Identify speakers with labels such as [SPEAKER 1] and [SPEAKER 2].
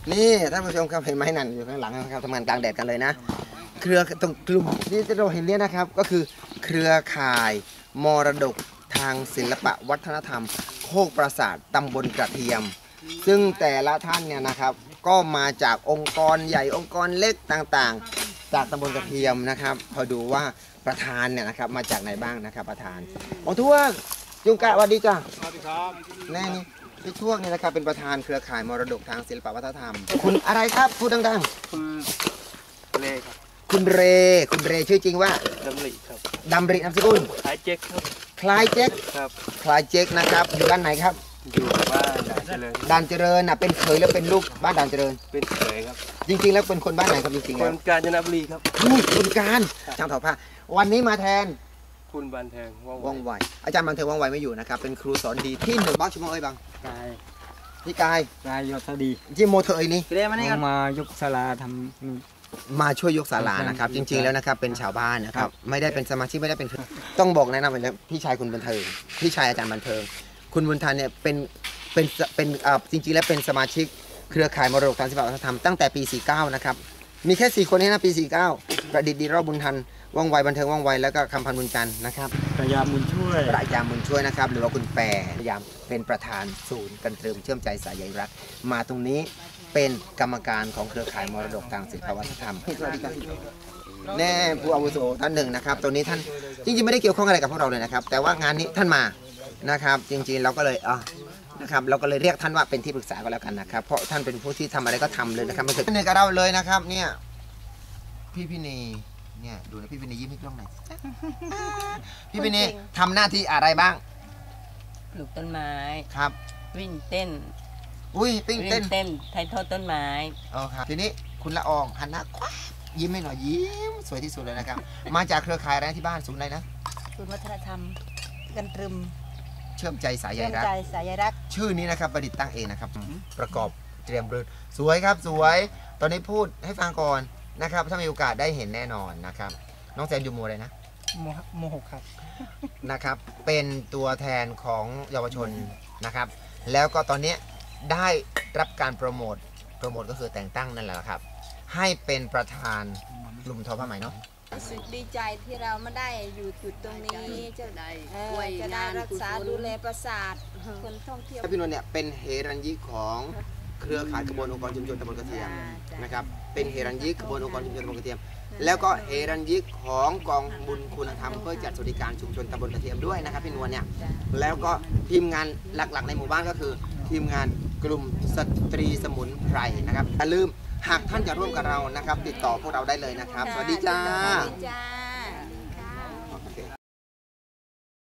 [SPEAKER 1] นี่ท่านผู้ชมครับเห็นไหมนั่นอยู่ข้างหลังนะครับทำงานกลางแดดกันเลยนะเครือตรงกลุ่มที่เราเห็นเนี่ยนะครับก็คือเครือข่ายมรดกทางศิลปะวัฒนธรรมโคกปราสาทตำบลกระเทียมซึ่งแต่ละท่านเนี่ยนะครับก็มาจากองค์กรใหญ่องค์กรเล็กต่างๆจากตำบลกระเทียมนะครับพอดูว่าประธานเนี่ยนะครับมาจากไหนบ้างนะครับประธานองทวงยุงกะสวัสดีจ้ะสวัสดีครับแน่นี่พี่ช่วงนี่นะครับเป็นประธานเครือข่ายมรดกทางศิลปวัฒนธรรมคุณอะไรครับพูดดังๆ
[SPEAKER 2] คุณเลครับ
[SPEAKER 1] คุณเรชื่อจริงว่า
[SPEAKER 2] ดำริครับ
[SPEAKER 1] ดำรินามสกุล
[SPEAKER 2] คล้ายเจ๊กครับ
[SPEAKER 1] คล้ายเจ๊ก
[SPEAKER 2] ครับ
[SPEAKER 1] คล้ายเจ๊กนะครับอยู่บ้านไหนครับ
[SPEAKER 2] อยู่บ้านด่านเจริญ
[SPEAKER 1] ด่านเจริญน่ะเป็นเขยแล้วเป็นลูกบ้านด่านเจริญ
[SPEAKER 2] เป็นเขยครับ
[SPEAKER 1] จริงๆแล้วเป็นคนบ้านไหนครับจริงๆ
[SPEAKER 2] ค
[SPEAKER 1] แล้ว
[SPEAKER 2] นกาญจนบุรีครับ
[SPEAKER 1] คนการช่างถอดผ้าวันนี้มาแทน
[SPEAKER 2] คุณบันแทง
[SPEAKER 1] ว่องไวอาจารย์บันเทิงว่องไวไม่อยู่นะครับเป็นครูสอนดีที่หนึ่งบ้านชิมงเอ้ยบัง
[SPEAKER 3] กาย
[SPEAKER 1] พี่กาย
[SPEAKER 3] ยศดี
[SPEAKER 1] ที่โมเธอเอ้ยนี่
[SPEAKER 3] มายกศาลาทำ
[SPEAKER 1] มาช่วยยกศาลานะครับจริงๆแล้วนะครับเป็นชาวบ้านนะครับไม่ได้เป็นสมาชิกไม่ได้เป็นต้องบอกแนะนำไปแล้วพี่ชายคุณบันเทิงพี่ชายอาจารย์บันเทิงคุณบุญทันเนี่ยเป็นจริงๆแล้วเป็นสมาชิกเครือข่ายมรดกทางศิลปวัฒนธรรมตั้งแต่ปี49นะครับมีแค่4คนนี้นะปี49ประดิษฐ์ดีรอบบุญทันว่องไวบันเทิงว่องไวแล้วก็คำพันธ์บุญจันทร์นะครับ
[SPEAKER 3] ประยามบุญช่วย
[SPEAKER 1] นะครับหรือว่าคุณแปรพยายามเป็นประธานศูนย์กันตรึมเชื่อมใจสายใยรักมาตรงนี้เป็นกรรมการของเครือข่ายมรดกทางศิลปวัฒนธรรมแน่ผู้อาวุโสท่านหนึ่งนะครับตัวนี้ท่านจริงๆไม่ได้เกี่ยวข้องอะไรกับพวกเราเลยนะครับแต่ว่างานนี้ท่านมานะครับจริงๆเราก็เลยนะครับเราก็เลยเรียกท่านว่าเป็นที่ปรึกษาก็แล้วกันนะครับเพราะท่านเป็นผู้ที่ทำอะไรก็ทำเลยนะครับไม่เคยเหนื่อยกับเราเลยนะครับเนี่ยพี่นีเนี่ยดูนะพี่นียิ้มให้กล้องหน่อยพี่นีทำหน้าที่อะไรบ้าง
[SPEAKER 4] ปลูกต้นไม้
[SPEAKER 1] ครับ
[SPEAKER 4] วิ่งเต้น
[SPEAKER 1] วิ่งเต้น
[SPEAKER 4] ถ่ายทอดต้นไม้
[SPEAKER 1] ครับทีนี้คุณละอองหันหน้าคว้ายิ้มให้หน่อยยิ้มสวยที่สุดเลยนะครับมาจากเครือข่ายอะไรที่บ้านศูนย์อะไรนะ
[SPEAKER 4] ศูนย์วัฒนธรรมกันตรึม
[SPEAKER 1] เชื่อมใจสายใยรักชื่อนี้นะครับประดิษฐ์ตั้งเองนะครับประกอบเตรียมเรือนสวยครับสวยตอนนี้พูดให้ฟังก่อนนะครับถ้ามีโอกาสได้เห็นแน่นอนนะครับน้องแซนอยู่โมอะไรนะ
[SPEAKER 3] โม6ครับ
[SPEAKER 1] นะครับเป็นตัวแทนของเยาวชนนะครับแล้วก็ตอนนี้ได้รับการโปรโมทก็คือแต่งตั้งนั่นแหละครับให้เป็นประธานกลุ่มทอผ้าไหมเนาะ
[SPEAKER 5] รู้สึกดีใจที่เราไม่ได้อยู่จุดตรงนี้จะได้รักษาดูแลปราสาทคนท่องเที่ยว
[SPEAKER 1] พี่นวลเนี่ยเป็นเฮรัญญิกของเครือข่ายขบวนองค์กรชุมชนตำบลกระเทียมนะครับเป็นเฮรัญญิกขบวนองค์กรชุมชนตำบลกระเทียมแล้วก็เฮรัญญิกของกองบุญคุณธรรมเพื่อจัดสวัสดิการชุมชนตำบลกระเทียมด้วยนะครับพี่นวลเนี่ยแล้วก็ทีมงานหลักๆในหมู่บ้านก็คือทีมงานกลุ่มสตรีสมุนไพรนะครับอย่าลืมหากท่านจะร่วมกับเรานะครับติดต่อพวกเราได้เลยนะครับสวัสดีจ้า